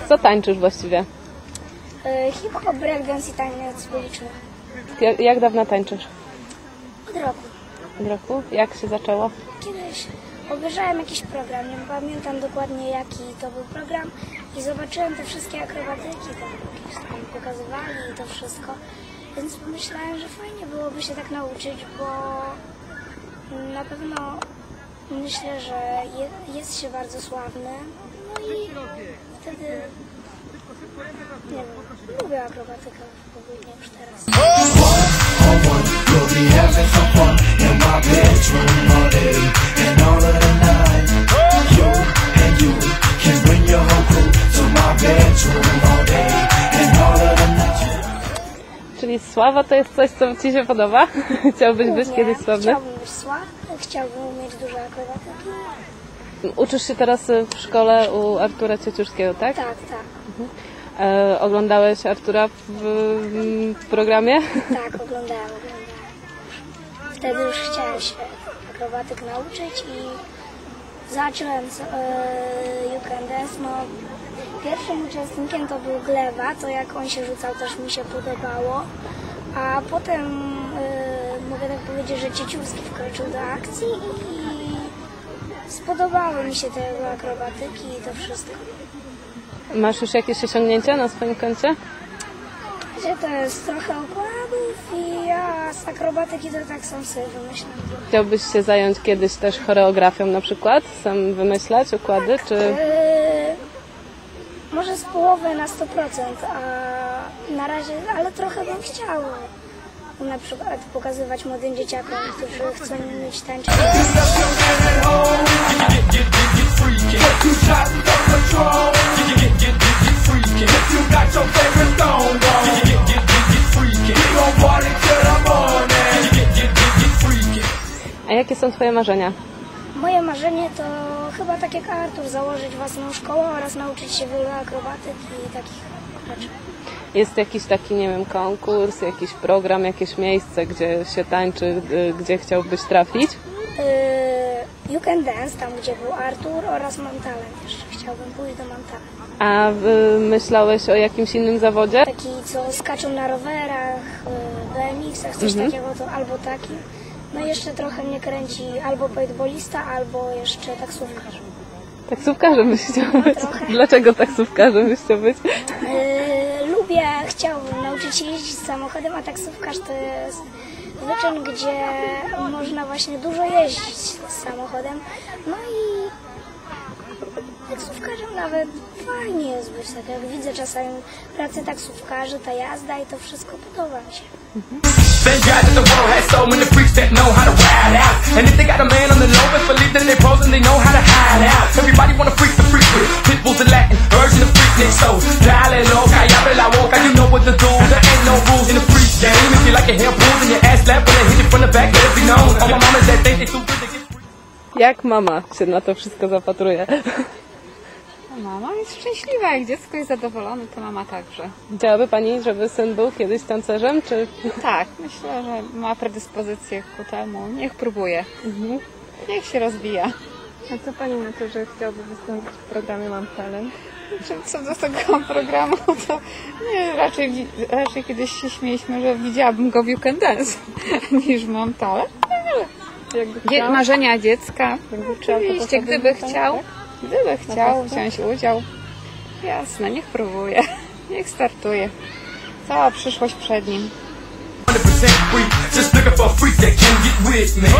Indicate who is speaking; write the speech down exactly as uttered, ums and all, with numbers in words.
Speaker 1: Co tańczysz właściwie?
Speaker 2: Yy, hip-hop, breakdance i taniec uliczny.
Speaker 1: Jak, jak dawno tańczysz?
Speaker 2: Od roku.
Speaker 1: Od roku? Jak się zaczęło?
Speaker 2: Kiedyś obejrzałem jakiś program, nie pamiętam dokładnie jaki to był program i zobaczyłem te wszystkie akrobatyki, tam jakieś tam pokazywali i to wszystko. Więc pomyślałem, że fajnie byłoby się tak nauczyć, bo na pewno myślę, że je, jest się bardzo sławny. No i wtedy, nie wiem, lubię akrobatykę ogólnie już teraz.
Speaker 1: Czyli sława to jest coś, co Ci się podoba? Chciałbyś być kiedyś sławny?
Speaker 2: Chciałbym być sławny, chciałbym mieć dużo akrobatyki.
Speaker 1: Uczysz się teraz w szkole u Artura Cieciuszkiego, tak?
Speaker 2: Tak, tak.
Speaker 1: Mhm. E, oglądałeś Artura w, w programie?
Speaker 2: Tak, oglądałem, oglądałem. Wtedy już chciałem się akrobatyk nauczyć i zacząłem z e, You Can Dance. No, pierwszym uczestnikiem to był Gleba, to jak on się rzucał też mi się podobało. A potem e, mogę tak powiedzieć, że Cieciurski wkroczył do akcji i spodobały mi się te jego akrobatyki i to wszystko.
Speaker 1: Masz już jakieś osiągnięcia na swoim koncie?
Speaker 2: Że to jest trochę układów i ja z akrobatyki to tak sam sobie wymyślam.
Speaker 1: Chciałbyś się zająć kiedyś też choreografią na przykład? Sam wymyślać układy, czy...
Speaker 2: Yy, może z połowy na sto procent, a na razie, ale trochę bym chciała na przykład pokazywać młodym dzieciakom, którzy chcą mieć tańczyć.
Speaker 1: A jakie są Twoje marzenia?
Speaker 2: Moje marzenie to chyba tak jak Artur, założyć własną szkołę oraz nauczyć się wielu akrobatyk i takich rzeczy.
Speaker 1: Jest jakiś taki, nie wiem, konkurs, jakiś program, jakieś miejsce, gdzie się tańczy, gdzie chciałbyś trafić?
Speaker 2: Yy, You Can Dance, tam gdzie był Artur, oraz Mam Talent. Jeszcze chciałbym pójść do Mam Talent.
Speaker 1: A y, myślałeś o jakimś innym zawodzie?
Speaker 2: Taki, co skaczą na rowerach, yy, B M X-ach, coś
Speaker 1: Mhm.
Speaker 2: takiego, to albo taki. No i jeszcze trochę mnie kręci albo paintballista, albo jeszcze taksówkarz.
Speaker 1: Taksówkarzem byś chciał być?
Speaker 2: trochę.
Speaker 1: Dlaczego taksówkarzem byś chciał być?
Speaker 2: Yy, lubię, chciałbym nauczyć się jeździć samochodem, a taksówkarz to jest wyczyn, gdzie można właśnie dużo jeździć z samochodem. No i taksówkarzem nawet fajnie jest być, tak jak widzę czasami pracę taksówkarzy, ta jazda i to wszystko podoba mi się.
Speaker 3: Thank God that the world has so many freaks that know how to ride out. And if they got a man on the low, best believe that they pros and they know how to hide out. Everybody wanna freak the freak with pitbulls and Latin, urging the freaknik. So dale loca, y abre la boca, you know what to do. There ain't no rules in the freak game. If you like your hair pulled and your ass slapped, when they hit you from the back, let it be known. All my mamas that think they too good to get free.
Speaker 1: Jak mama się na to wszystko zapatruje?
Speaker 4: Mama jest szczęśliwa, jak dziecko jest zadowolone, to mama także.
Speaker 1: Chciałaby Pani, żeby syn był kiedyś tancerzem, czy...
Speaker 4: Tak, myślę, że ma predyspozycję ku temu. Niech próbuje.
Speaker 1: Mhm.
Speaker 4: Niech się rozwija.
Speaker 1: A co Pani na to, że chciałby wystąpić w programie Mam Talent?
Speaker 4: Co do tego programu, to nie, raczej, wi- raczej kiedyś się śmieliśmy, że widziałabym go w You Can Dance niż Mam Talent.
Speaker 1: Jakby
Speaker 4: Dzie-
Speaker 1: chciał?
Speaker 4: marzenia dziecka.
Speaker 1: Jakby chciał, to
Speaker 4: Oczywiście,
Speaker 1: poszedłby
Speaker 4: gdyby
Speaker 1: tam,
Speaker 4: chciał,
Speaker 1: tak?
Speaker 4: gdyby chciał
Speaker 1: pewno?
Speaker 4: wziąć udział, jasne, niech próbuje, niech startuje. Cała przyszłość przed nim.
Speaker 3: one hundred percent free, just looking for a freak that can get with me.